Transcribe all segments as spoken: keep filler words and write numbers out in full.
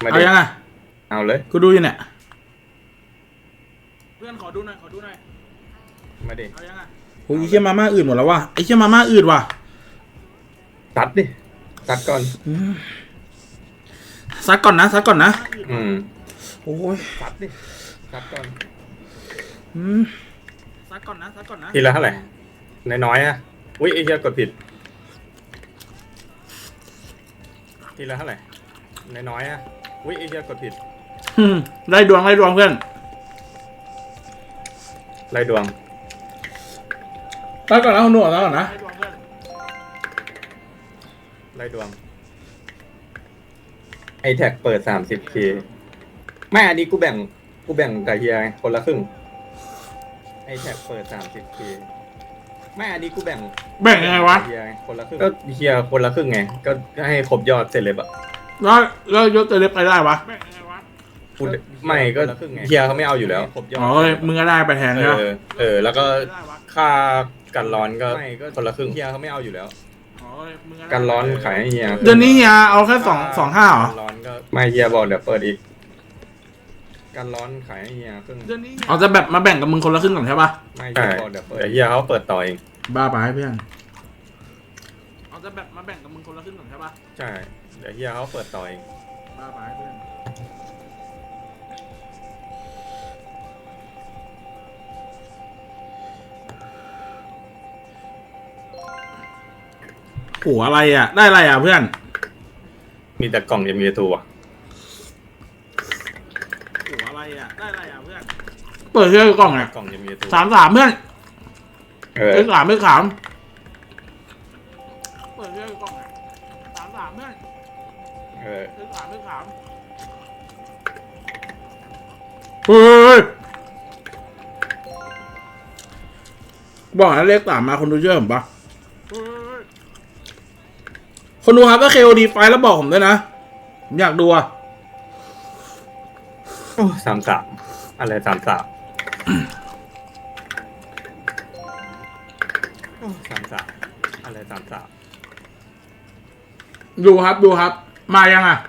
มาดิเอายังไงเอาเลยกูดูอยู่เนี่ยเพื่อนขอดูหน่อยขอดูหน่อยมาดิเอายังไงโอ้ยไอ้เชี่ยมาม่าอื่นหมดแล้วว่ะไอ้เชี่ยมาม่าอื่นว่ะตัดดิตัดก่อนซัดก่อนนะซัดก่อนนะอืมโอ้ยตัดดิตัดก่อนอืมซัดก่อนนะซัดก่อนนะทีละเท่าไหร่น้อยๆอ่ะอุ้ยไอ้เหี้ยกดผิดทีละเท่าไหร่น้อยๆอ่ะอุ้ยไอ้เหี้ยกดผิดได้ดวงได้ดวงเพื่อนไล่ดวงซัดก่อนนะคุณหนวดซัดก่อนนะไล่ดวงไอแท็กเปิดสามสิบเคแม่อันนี้กูแบ่งกูแบ่งกับเฮียคนละครึ่งไอแท็กเปิดสามสิบเคแม่อันนี้กูแบ่งแบ่งยังไงวะเฮียคนละครึ่งก็เฮียคนละครึ่งไงก็ให้ครบยอดเสร็จเลยปะแล้วแล้วยศจะเล็บไปได้วะกูไม่ก็เฮียเขาไม่เอาอยู่แล้วครบยอดอ๋อเลยมึงก็ได้ไปแทนเอใช่ไหมอเออแล้วก็ค่ากันร้อนก็คนละครึ่งเฮียเขาไม่เอาอยู่แล้วกันร้อนขายให้เฮียเดือนนี้เฮียเอาแค่สองสองห้าเหรอร้อนก็ไม่เฮียบอกเดี๋ยวเปิดอีกกันร้อนขายให้เฮียครึ่งเอาจะแบบมาแบ่งกับมึงคนละครึ่งก่อนใช่ปะไม่เฮียบอกเดี๋ยวเปิดเดี๋ยวเฮียเขาเปิดต่อเองบ้าไปเพื่อนเอาจะแบบมาแบ่งกับมึงคนละครึ่งก่อนใช่ปะใช่เดี๋ยวเฮียเขาเปิดต่อเองบ้าไปเพื่อนโหอะไรอ่ะได้อะไรอ่ะเพื่อนมีแต่กล่องเอ็มเอทูอ่ะโหอะไรอ่ะได้อะไรอ่ะเพื่อนเปิดเชื่อกล่องอ่ะกล่องเอ็มเอทูสามสามเพื่อนเออไม่ขามไม่ขามเปิดเชื่อกล่องอ่ะสามสามเพื่อนเออไม่ขามไม่ขามเฮ้ยบอกให้เลขสามมาคนดูเชื่อผมปะคนดูครับถ้าเคโอดีไฟแล้วบอกผมด้วยนะผมอยากดูอะสามสามอะไรสามสามสามสามอะไรสามสามดูครับดูครับมายังอะ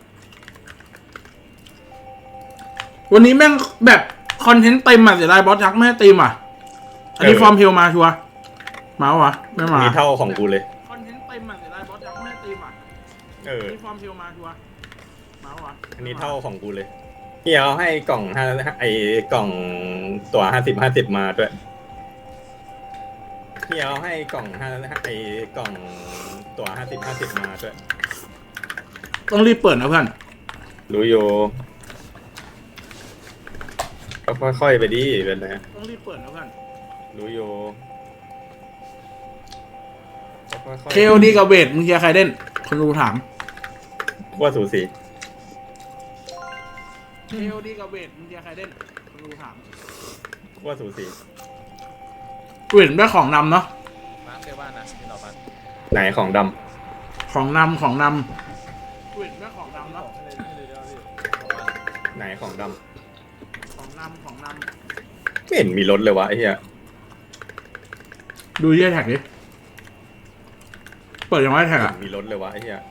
วันนี้แม่งแบบคอนเทนต์เต็มอะเสียดายบอสทักไม่ให้เต็มอะอันนี้ฟอร์มเพลมาชัวร์มาวะไม่มามีเท่าของกูเลยคอนเทนต์เต็มอะเสียดายบอสทักไม่ให้เต็มอะเอออันนี้ฟอร์มเพลมาชัวร์มาวะอันนี้เท่าของกูเลยเฮียเขาให้กล่องห้าไอ้กล่องตัวห้าสิบห้าสิบมาด้วยเฮียเขาให้กล่องห้าไอ้กล่องตัวห้าสิบห้าสิบมาด้วยต้องรีบเปิดนะเพื่อนรู้อยู่ก็ค่อยๆไปดิเป็นไงต้องรีบเปิดนะเพื่อนรู้อยู่เคโอดีกับเวทมึงเชียร์ใครเล่นคนดูถามว่าสูสีเคโอดีกับเวทมึงเชียร์ใครเล่นคนดูถามว่าสูสีเวทได้ของนำเนาะมาเซว่านะที่เรามาไหนของดำของนำของนำเวทได้ของนำเนาะไหนของดำของนำของนำไม่เห็นมีรถเลยวะไอ้เหี้ยดูเยี่ยแท็กดิเปิดยังไงแท็กอะมีรถเลยวะไอ้เหี้ย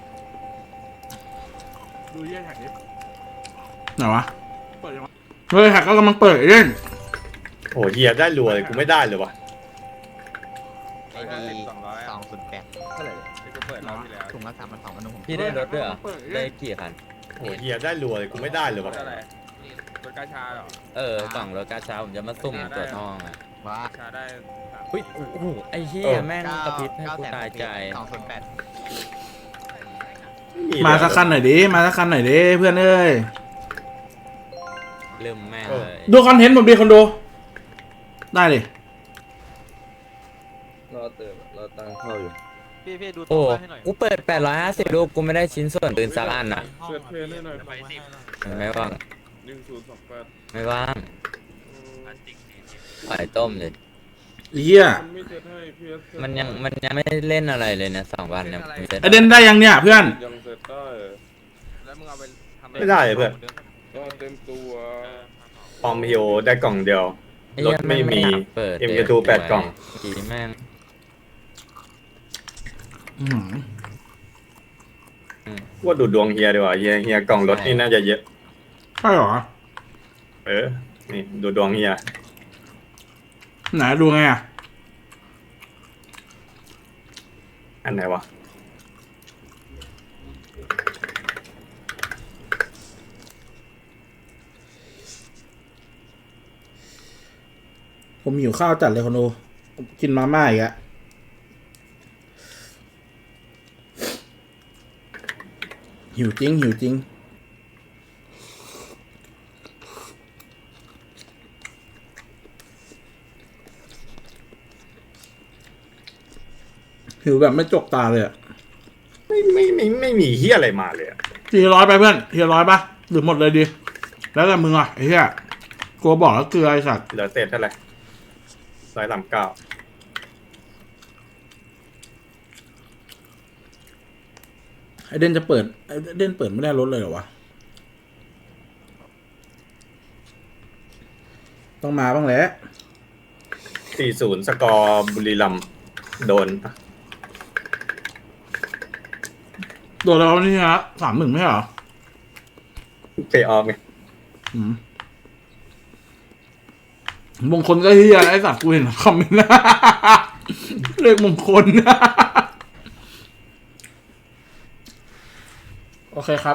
ดูเยี่ยแท็กดิไหนวะเปิดยังไงเฮ้ยแท็กก็กำลังเปิดเล่นโอ้เหี้ยได้รัวเลยกูไม่ได้เลยวะไอ้นี่สองร้อยสองศูนย์แปดเท่าไหร่ที่กูเปิดรอบที่แล้วถุงละสามพันสองพันหนึ่งพี่ได้รถด้วยเหรอได้กี่คันโอ้เหี้ยได้รัวเลยกูไม่ได้เลยวะรถกาชาเหรอเออกล่องรถกาชาผมจะมาสุ่มตัวทองอ่ะว้าชาได้เฮ้ยโอ้โหไอ้เหี้ยแม่งกระพริบให้กูตายใจสองศูนย์แปดมาสักคันหน่อยดิมาสักคันหน่อยดิเพื่อนเอ้ยลืมแม่งเลยดูคอนเทนต์ผมดีคนดูได้เลยรอเติมรอตังเข้าอยู่พี่พี่ดูโอ้กูเปิดแปดร้อยห้าสิบรูปกูไม่ได้ชิ้นส่วนปืนสักอันอ่ะเปิดเพลงให้หน่อยไม่ว่างหนึ่งศูนย์สองแปดไม่ว่างปล่อยต้มเลยเฮียมันยังมันยังไม่เล่นอะไรเลยนะสองวันเนี่ยเด่นได้ยังเนี่ยเพื่อนยังเสร็จได้แล้วมึงเอาไปทำไม่ได้เพื่อนก็เต็มตัวปอมฮิโอได้กล่องเดียวรถไม่มีเอ็มเอทูแปดกล่องกี่แม่งว่าดูดวงเฮียดีกว่าเฮียเฮียกล่องรถนี่น่าจะเยอะใช่เหรอเออ นี่ดูดวงเฮียไหนดูไงอ่ะอันไหนวะผมหิวข้าวจัดเลยคนดูกินมาม่าอีกอะหิวจริงหิวจริงหิวแบบไม่จกตาเลยอะไม่ไม่ไม่ไม่มีเฮียอะไรมาเลยอะทีร้อยไปเพื่อนทีร้อยปะหรือหมดเลยดี แล้วแต่มึงอ่ะไอ้เหี้ยกลัวบอกแล้วเกลือไอ้สัตว์เหลือเศษเท่าไหร่ร้อยสามเก้าไอเดนจะเปิดไอเดนเปิดไม่ได้รถเลยเหรอวะต้องมาบ้างแหละสี่ศูนย์สกอร์บุรีรัมย์โดนโดนแล้วนี่ฮะสามหนึ่งไม่ใช่เหรอเพย์ออฟไงอืมมงคลก็เฮียไอสัตว์กูเห็นคอมเมนต์นะ เลขมงคล โอเคครับ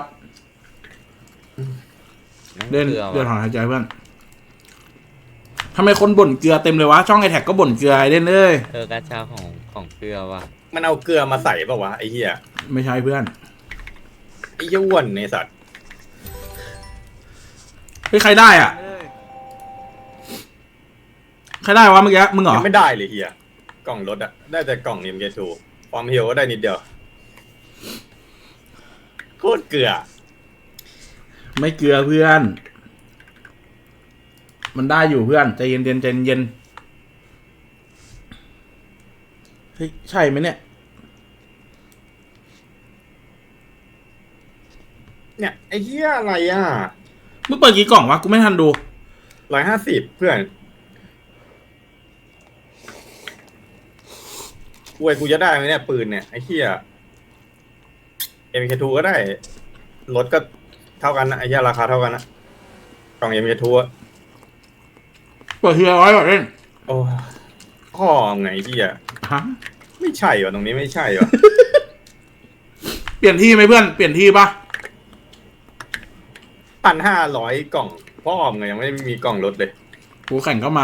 เดินเกลือเดินว่ะถอนหายใจเพื่อนทำไมคนบ่นเกลือเต็มเลยวะ ช่องไอแท็กก็บ่นเกลือไอเดนเอ้ยเออกระชาของของเกลือว่ะมันเอาเกลือมาใส่ป่าวะไอ้เฮียไม่ใช่เพื่อนไอ้เหี้ยอ้วนในสัตว์เฮ้ยใครได้อ่ะ ใครได้วะเมื่อกี้มึงเหรอยังไม่ได้เลยเฮียกล่องรถอะได้แต่กล่องนิมเกทูความเฮียวก็ได้นิดเดียวโคตรเกลือไม่เกลือเพื่อน มันได้อยู่เพื่อนใจเย็นเย็นใจเย็นเฮ้ยใช่ไหมเนี่ยเนี่ยไอ้เหี้ยอะไรอ่ะมึงเปิดกี่กล่องวะกูไม่ทันดูร้อยห้าสิบเพื่อนกูไอ้กูจะได้ไหมเนี่ยปืนเนี่ยไอ้เหี้ยเอ็มเคทูก็ได้รถก็เท่ากันนะไอ้เหี้ยราคาเท่ากันนะกล่องเอ็มเคทูอะเปิดทีละร้อยก่อนเล่นโอ้ข้อไงเหี้ยฮะไม่ใช่วะตรงนี้ไม่ใช่วะเปลี่ยนที่ไหมเพื่อนเปลี่ยนที่ปะพันห้าร้อยกล่องพ่อมไงยังไม่มีกล่องรถเลยกูแข่งก็มา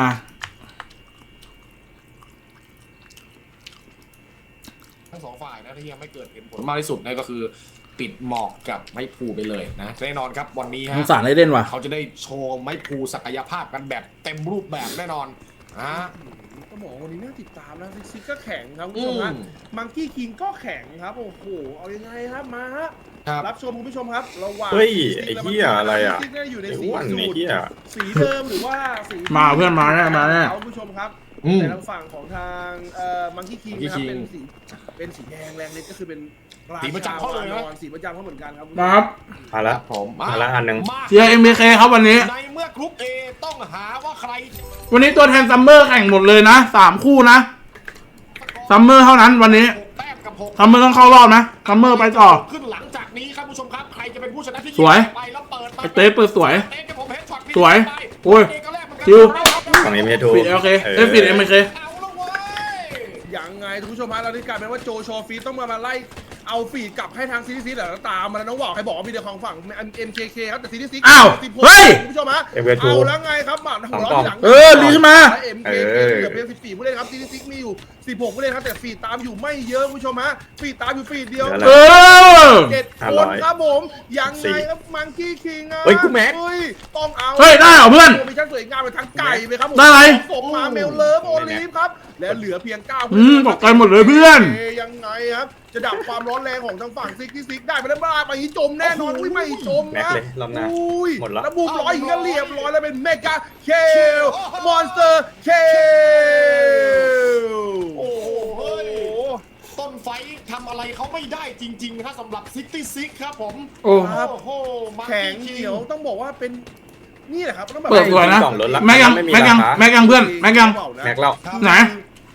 ทั้งสองฝ่ายนะที่ยังไม่เกิดเห็นผลมากที่สุดนั่นก็คือปิดหมอกกับไม้พลูไปเลยนะแน่นอนครับวันนี้สฮะงสารไอเดนว่ะเขาจะได้โชว์ไม้พลูศักยภาพกันแบบเต็มรูปแบบแน่นอนอ่ะก็บอกว่าวันนี้น่าติดตามนะซิกซิกก็แข็งครับคุณอืผู้ชมมฮะมังกี้คิงก็แข็งครับโอ้โหเอายังไงครับมาฮะครับรับชมคุณผู้ชมครับระหว่างเฮ้ยซิกซิกไอ้เหี้ยอะไรอะซิกซิกเนี่ยอยู่ในไอ้สีอ้วนสูไอ้ตรเหี้ยสีเดิมหรือว่าสีมาเพื่อนมาแน่มาแน่คุณผู้ชมครับอืมแต่ทางฝั่งของทางเอ่อมังกี้คิง Monkey นะครับ King เป็นสีเป็นสีแดงแรงเล็กก็คือเป็นสีประจำเขาเลยนะสีประจำเขาเหมือนกันครับมาครับมาคละรับผมมาละอันหนึ่งมาเชียร์เอ็มบีเคครับวันนี้ในเมื่อกรุ๊ป A ต้องหาว่าใครวันนี้ตัวแทนซัมเมอร์แข่งหมดเลยนะสามคู่นะซัมเมอร์เท่านั้นวันนี้หกแต้มกับหกซัมเมอร์ต้องเข้ารอบนะซัมเมอร์ไปต่อขึ้นหลังจากนี้ครับผู้ชมครับใครจะเป็นผู้ชนะที่สวยไปแล้วเปิดมาไอเต้เปิดสวยเต้กับผมเฮดช็อตพี่สวยไปโอ้ยเต้ก็แรกเหมือนกันชิวกล่องเอ็มเคทูปิดโอเคเอ้ยปิดเอ็มบีเคเอาละเว้ยยังไงคุณผู้ชมฮะเราได้กลายเป็นว่าโจโชฟีต้องมามาไล่เอาฟีดกลับให้ทางซีรีส์ซีแล้วตามมาแล้วน้องว่าวใครบอกว่ามีเดียวของฝั่ง เอ็ม เค เค ครับแต่ซีรีส์ซีอ้าวสิบหกเฮ้ยคุณผู้ชมฮะเอ็มเคทูเอาแล้วไงครับหมาหัวเราะทีหลังเออดีขึ้นมาและ เอ็ม เค เค เหลือเพียงสิบสี่ผู้เล่นครับซีรีส์ซีมีอยู่สิบหกผู้เล่นครับแต่ฟีดตามอยู่ไม่เยอะคุณผู้ชมฮะฟีดตามอยู่ฟีดเดียวเหลืออะไรเออเจ็ดห้าคร้นอยครับผมยังไงครับมังกี้คิงอะเฮ้ยกูแม็กเฮ้ยต้องเอาเฮ้ยได้เหรอเพื่อนมีชั้นสวยงามเป็นทั้งไก่ไปครับผมได้อะไรสมมาเมลเลิฟโอลิฟครับ และเหลือเพียงเก้าอืมตกใจหมดเลยเพื่อนเยยังไงครับ จะดับความร้อนแรงของทางฝั่งซิกที่ซิกได้ไปแล้วบ้าไปจมแน่นอนอุ้ยไม่จมแม็กนะเลยรอบหน้าอุ้ยหมดละแล้วบูมร้อยอีกก็เรียบร้อยแล้วเป็นเมกาเคลมอนสเตอร์เคลโอ้โหเฮ้ยต้นไฟทำอะไรเขาไม่ได้จริงๆนะครับสำหรับซิกตี้ซิกครับผมโอ้โอ้โหมาแข็งเหนียวต้องบอกว่าเป็นนี่แหละครับต้องแบบเปิดสวยนะกล่องรถละแม็กยังไม่มีแม็กยังราคาแม็กยังเพื่อนแม็กยังแม็กเล่าครับไหนแ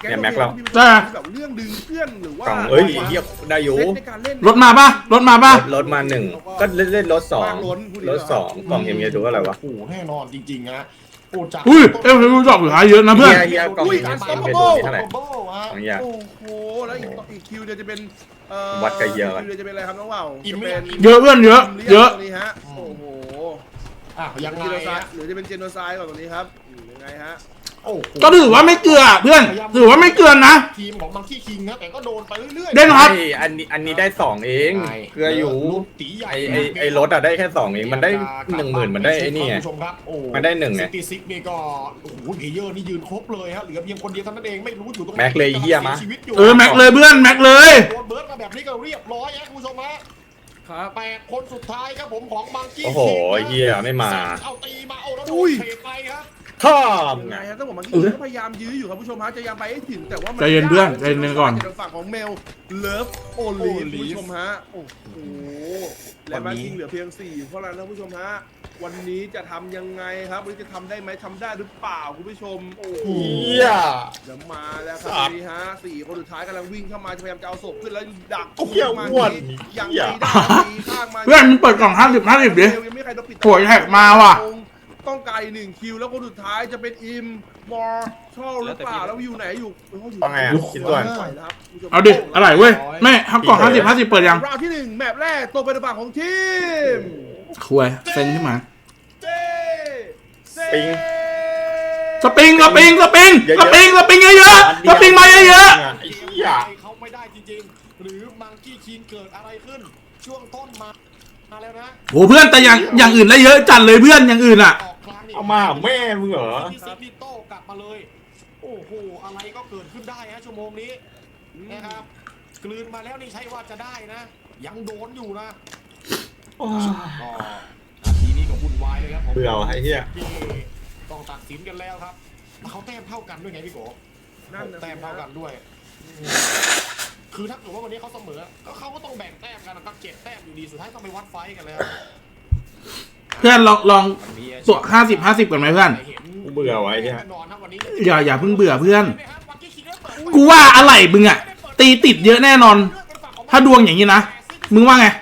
ก๊งเนี่ยแม็กเราที่แบบเรื่องดึงเพื่อนหรือว่ากล่องเอ้ยเฮียได้อยู่เซตในการเล่นรถมาป่ะรถมาป่ะรถรถมาหนึ่งก็เล่นเล่นรถสองวางล้นพูดดีรกถว่าสองกล่องเอ็มเอดูอะไรวะโอ้โหแน่นอนจริงๆฮะโอ้จากอุ้ยเอ็มรู้จักหรือหาเยอะนะเพื่อนเฮียเฮียกล่องอุ้ยเอ็มอันเอสต็อปดูเบิลเท่าไหร่โบ้ฮะสองอย่างโอ้โหแล้วอีกอีกคิวเดียวจะเป็นเอ่อวัดกับเยอะคิวเดียวจะเป็นอะไรครับน้องว่าวอิ่มจะไหมเป็นเยอะเพื่อนเยอะ เยอะตรงนี้ฮะโอ้โหอ่ะยังไงเจโนไซฮะด์หรือจะเป็นเจโนไซด์ก่อนตรงนี้ครับอืมยังไงฮะโอ้โหก็ถือว่าไม่เกลือเพื่อนถือว่าไม่เกลือนะทีมของมังคีคิงนะแต่ก็โดนไปเรื่อยๆเด่นครับไอ้อันนี้อันนี้ได้สองเองเกลืออยู่ลูกตีใหญ่ไอ้ไอ้ไอ้รถอะได้แค่สองเองมันได้หนึ่งหมื่นมันได้ไอ้นี่ไงคุณผู้ชมครับโอ้มันได้หนึ่งไงซิตี้ซิกนี่ก็โอ้โหเพลเยอร์นี่ยืนครบเลยฮะเหลือเพียงคนเดียวเท่านั้นเองไม่รู้อยู่ตรงไหนแม็กเลยเหี้ยมะสีชีวิตอยู่เออแม็กเลยเพื่อนแม็กเลยโดนเบิร์ดมาแบบนี้ก็เรียบร้อยฮะคุณผู้ชมฮะครับแปดคนสุดท้ายครับผมของมังกี้โอ้โหเฮียไม่มาเอาตีมาโอ้แล้วโดอุ้นยเทไปครับท่อมยังไงไงฮะต้องบอกมันก็พยายามยื้ออยู่ครับผู้ชมฮะจะยังไปให้ถึงแต่ว่ามัใจเย็นเพื่อนใจเย็นก่อนจากฝั่งของเมลเลิฟโอลีฟผู้ชมฮะโอ้โหและมาคิงเหลือเพียงสี่เพราะอะไรนะผู้ชมฮะวันนี้จะทำยังไงครับวันนี้จะทำได้ไหมทำได้หรือเปล่าคุณผู้ชมโอ้โหเฮียเดี๋ยวมาแล้วครับสัตว์นี่ฮะสี่คนสุดท้ายกำลังวิ่งเข้ามาจะพยายามจะเอาศพขึ้นแล้วดักโอ้เหี้ยมาอ้วนยังเหี้ไม่ยได้ตีข้างมาเพื่อนมึงเปิดกล่องห้าสิบห้าสิบดิยังไม่มีใครโดนปิดโหยแท็กมาว่ะต้องการอีกหนึ่งคิวแล้วคนสุดท้ายจะเป็นอิมมอร์ชอลหรือเปล่าแล้วอยู่ไหนอยู่เอยู่ต้องไงอ่ะคิดด้วยปล่อยแล้วครับคุณผู้ชมเอาดิอะไรเว้ยแม่ทำกล่องห้าสิบห้าสิบเปิดยังราวที่หนึ่งแมปแรกตกเป็นฝั่งของทีมคุยเซ็นขึ้นมาเจเซปิงสปริงสปริงสปริงสปริงสปริงเยอะๆสปริงมาเยอะไอ้เหี้ยเขาไม่ได้จริงๆ หรือมังกี้คิงเกิดอะไรขึ้น ช่วงต้นมามาแล้วนะๆโหเพื่อนแต่อย่างอย่างอื่นได้เยอะจัดเลยเพื่อนอย่างอื่นอ่ะออกครั้งนี่เอามาหาแม่มึงเหรอที่ซิตี้โต้กลับมาเลย โอ้โห อะไรก็เกิดขึ้นได้ฮะชั่วโมงนี้นะครับกลืนมาแล้วนี่ใช่ว่าจะได้นะ ยังโดนอยู่นะก็นาทีนี้ก็วุ่นวายเลยครับผมเบื่อว่ะไอ้เหี้ยที่ต้องตัดสินกันแล้วครับเขาแต้มเท่ากันด้วยไงพี่โกนั่นนะแต้มเท่ากันด้วย คือถ้าเกิดว่าวันนี้เขาเสมอก็เขาก็ต้องแบ่งแต้มกันนะครับเจ็ดแต้มอยู่ดีสุดท้ายต้องไปวัดไฟต์กันแล้วเพื่อนลองลองตัวห้าสิบห้าสิบก่อนไหมเพื่อนกูเบื่อว่ะไอ้เหี้ยอย่าอย่าเพิ่งเบื่อเพื่อน กูว่าอะไรมึงอ่ะตีติดเยอะแน่นอน ถ้าดวงอย่างนี้นะมึงว่าไง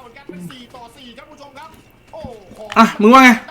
อ่ะมึงว่าไง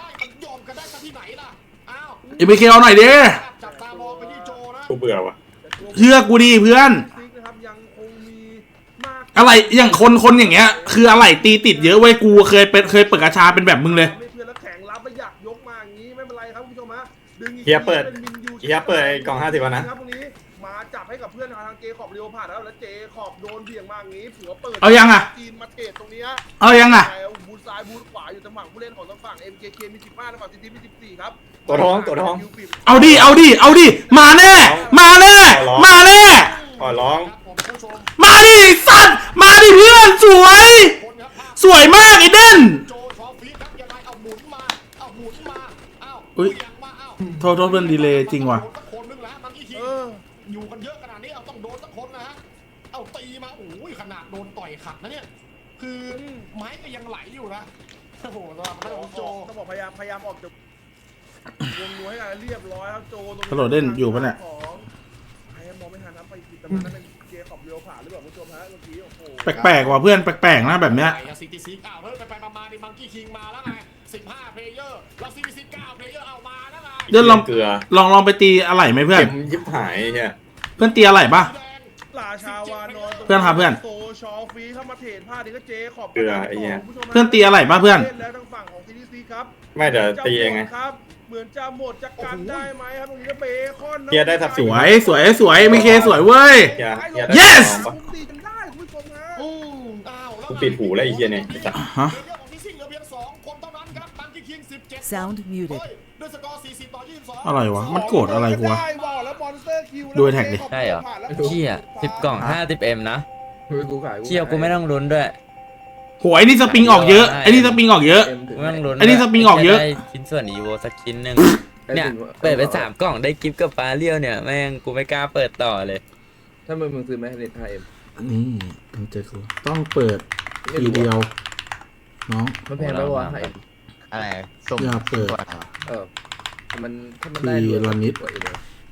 เอ็มเคเอาหน่อยดิจับตามองไปที่โจนะกูเบื่อว่ะเชื่อกูดีเพื่อนซิกนะครับยังคงมีมากอะไรอย่างคนคนอย่างเงี้ย คืออะไรตีติดเยอะเว้ยกูเคยเป็นเคยเปิดกระชาเป็นแบบมึงเลยไม่เพื่อนแล้วแข่งรับไม่อยากยกมาอย่างนี้ไม่เป็นไรครับคุณผู้ชมฮะดึงอีกเฮียเปิดป็นมินยูเฮียเปิดไอ้กล่องห้าสิบวันนะครับตรงนี้มาจับให้กับเพื่อนทางเจคอบเรียวผ่านแล้วแล้วเจคอบโดนเบี่ยงมาอย่างนี้ผัวเปิดเอายังอะจีนมาเทรดตรงนี้เอายังอ่ะบูทซ้ายบูทขวาอยู่ทางฝั่งผู้เล่นของทางฝั่ง เอ็ม เค เค มีสิบห้าทางฝั่งซีทีมีสิบสี่ครับตัวท้องตัวท้องเอาดิเอาดิเอาดิมาแน่ มาแน่ มาแน่ขอร้องครับผมผู้ชมมาดิไอ้สัตว์มาดิเพื่อนสวยคนครับภาพสวยมากไอ้เด่นโจชอฟีดครับยังไงเอาหมุนมาเอาหมุนมาเอาอุ๊ยเบี่ยงมาเอาโทษโทษเพื่อนดีเลยจริงว่ะโดนสักคนนึงแล้วมันอีกทีเอออยู่กันเยอะขนาดนี้เอาต้องโดนสักคนนะฮะเอาตีมาโอ้ยขนาดโดนต่อยขัดนะเนี่ยคือไม้ก็ยังไหลอยู่นะโอ้โหสำหรับทางของโจต้องบอกพยายามพยายามออกจากวงนัวให้กันเรียบร้อยครับโจตรงฮัลโหลเด่นอยู่ปะเนี่ยของใครมองไม่ทันนะไปผิดตำแหน่งนั้นเป็นเจคอบเรียวผ่านหรือเปล่าคุณผู้ชมฮะเมื่อกี้โอ้โหแปลกๆว่ะเพื่อนแปลกๆนะแบบเนี้ยซิตี้ซิกอ้าวเฮ้ยไปไปมาๆนี่มังกี้คิงมาแล้วไงสิบห้าเพลเยอร์แล้วซิตี้ซิกเก้าเพลเยอร์เอามาแล้วไงเดี๋ยวลองเกลือลองลองไปตีอะไรไหมเพื่อนเข็มยิบหายไอ้เฮียเพื่อนตีอะไรป่ะแดงราชาวานอนตงเพื่อนครับเพื่อนโซชอฟรีเข้ามาเทรดพลาดนี่ก็เจขอบเกลือไอ้เหี้ยคุณผู้ชมฮะเพื่อนตีอะไรป่ะเพื่อนล่แล้วทางฝั่งของซีดีซีครับไม่เดี๋ยวตีเองไงครับเหมือนจะหมดจะกันได้ไหมครับตรงนี้ก็เบคอนเฮียได้ทับสวยสวยสวยไม่เคสวยเว้ยเฮียเฮียได้ Yes สองปะตีกันได้คุณผู้ชมฮะอืมอ้าวแล้วกูปิดหูแล้วไอ้เหี้ยเนี่ยไอ้สัสฮะเพลเยอร์ของที่ซิงเหลือเพียงสองคนเท่านั้นครับมังกี้คิงสิบเจ็ด Sound muted เฮ้ยด้วยสกอร์สี่สิบต่อยี่สิบสองอะไรวะมันโกรธอะไรกูวะได้บอลแล้วมอนสเตอร์คิวดูไอ้แท็กดิใช่เหรอเชี่ยสิบกล่องห้าสิบเอ็มนะเชี่ยกูไม่ต้องลุ้นด้วยโหไอ้นี่สปริงออกเยอะไอ้นี่สปริงออกเยอะกูไม่ต้องลุ้นไอ้นี่สปริงออกเยอะจได้ชิ้นส่วนอีโวสักชิ้นหนึ่งเนี่ยเปิดไปสามกล่องได้กิฟต์กับปลาเลี้ยวเนี่ยแม่งกูไม่กล้าเปิดต่อเลยถ้ามึงมึงซื้อไหมเน็ตไทยเอ็มนี่มันเจอกูต้องเปิดทีเดียวน้องมันแพงไหมวะไทยเอ็มอะไรส่งอย่าเปิดเออมันถ้ามันได้ทีละนิดกว่าอีกเลยท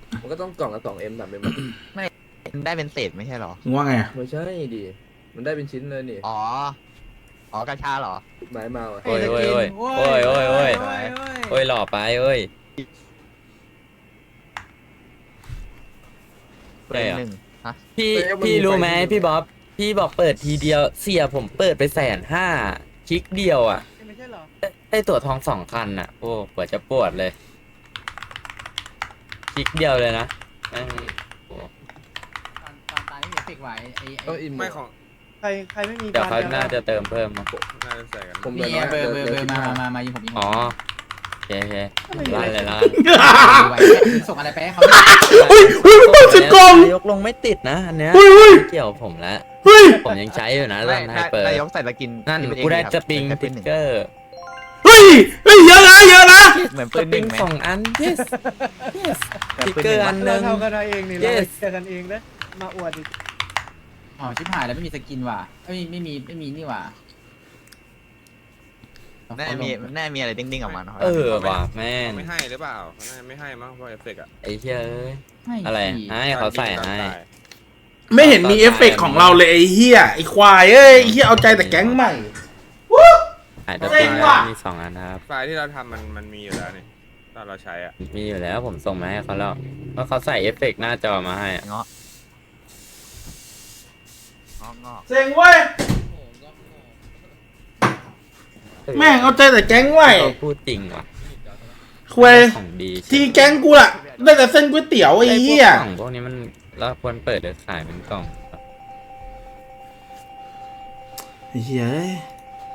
มันก็ต้องกล่องละสองเอ็มสามเอ็มได้เป็นเศษไม่ใช่เหรอมึงว่าไงอะไม่ใช่ดิมันได้เป็นชิ้นเลยนี่อ๋อ อ๋อกระชาเหรอไม้เมาอะโอ้ยโอ้ยโอ้ยโอ้ยโอ้ยโอ้ยโอ้ยหล่อไปโอ้ยเปิดหนึ่งฮะพี่พี่รู้ไหมพี่บ๊อบพี่บอกเปิดทีเดียวเสียผมเปิดไปแสนห้าคลิกเดียวอ่ะไม่ใช่เหรอได้ได้ตั๋วทองสองคันอ่ะ โอ้ปวดจะปวดเลยคลิกเดียวเลยนะแม่งโอ้ตอนตอนตายไม่มีเอฟเฟกต์ไหวไอ้ก็ไอ้อินไม่ของใครใครไม่มีเดี๋ยวเขาน่าจะเติมเพิ่มมั้งน่าจะใส่กันผมมีแบบเบอร์เบอร์เบอร์มามามายิงผมยิงผมอ๋อโอเคโอเคลั่นเลยลั่นไหวส่งอะไรไปให้เขาเฮ้ยเฮ้ยมันเปิดสิบกล่องยกลงไม่ติดนะอันเนี้ยเฮ้ยเฮ้ยไม่เกี่ยวผมแล้วเฮ้ยผมยังใช้อยู่นะไม่ลั่นให้เปิดนายกใส่ตะกินนั่นที่เป็กูได้เอสปริงครับติ๊กเกอร์เฮ้ยเฮ้ยเยอะนะเยอะนะเหมือนสปืนปหรินึ่งงไหมสองอัน yes yes เหมือนติ๊กปืนเกหอนึ่งร์อันหนึ่งวะเราเท่ากันเองนี่ yes เจอกันเองนะมาอวดอีกอ๋อชิบหายแล้วไม่มีสกินว่ะไม่มีไม่มีไม่มีนี่ว่ะน่าจะมีน่าจะมีอะไรดิ้งๆออกมาเนาะเออว่ะแม่งไม่ให้หรือเปล่าเขาน่าจะไม่ให้มั้งเพราะเอฟเฟกต์อะไอ้เหี้ยเอ้ยให้อะไรสิให้เขาใส่ให้ไม่เห็นมีเอฟเฟกต์ของเราเลยไอ้เหี้ยไอ้ควายเอ้ยไอ้เหี้ยเอาใจแต่แก๊งใหม่ถ่ายตัวเซ็จริงงว่ะมีสองอันครับไฟล์ที่เราทำมันมันมีอยู่แล้วนี่ตอนเราใช้อ่ะมีอยู่แล้วผมส่งมาให้เขาแล้วเพราะเขาใส่เอฟเฟกต์หน้าจอมาให้อะเงาะเงาะเงาะเซ็งเว้ยแม่งเอาใจแต่แก๊งใหม่เขาพูดจริงว่ะควายของดีทีแก๊งกูล่ะได้แต่เส้นก๋วยเตี๋ยวไอ้เหี้ยกล่องพวกนี้มันเราควรเปิดหรือขายเป็นกล่องไอ้เหี้ยเอ้ย